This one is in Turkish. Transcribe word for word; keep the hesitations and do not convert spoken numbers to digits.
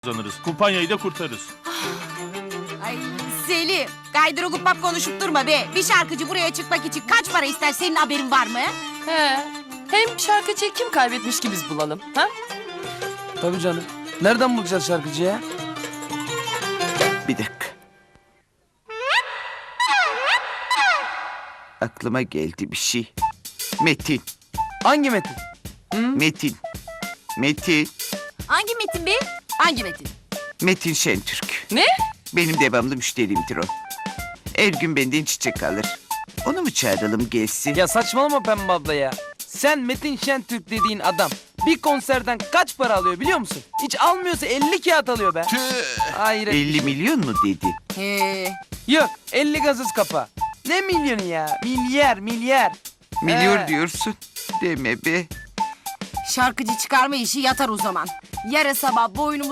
kazanırız. Kumpanyayı da kurtarırız. Ay Selim, gaydır gupap konuşup durma be. Bir şarkıcı buraya çıkmak için kaç para ister, senin haberin var mı? He. Hem şarkıcıyı kim kaybetmiş ki biz bulalım? Ha? Tabii canım. Nereden bulacağız şarkıcıyı ya? Bir dakika. Aklıma geldi bir şey. Metin, Hangi Metin? Metin, Metin, Hangi Metin be? Hangi Metin? Metin Şentürk. Ne? Benim devamlı müşterimdir o. Her gün benden çiçek alır. Onu mu çağıralım gelsin? Ya saçmalama Pembe abla ya. Sen Metin Şentürk dediğin adam bir konserden kaç para alıyor biliyor musun? Hiç almıyorsa elli kağıt alıyor be. Hayret. elli milyon mu dedi? He. Yok elli gazız kafa. Ne milyonu ya? Milyar milyar. Milyon He. diyorsun. Deme be. Şarkıcı çıkarma işi yatar o zaman. Yarın sabah boynumu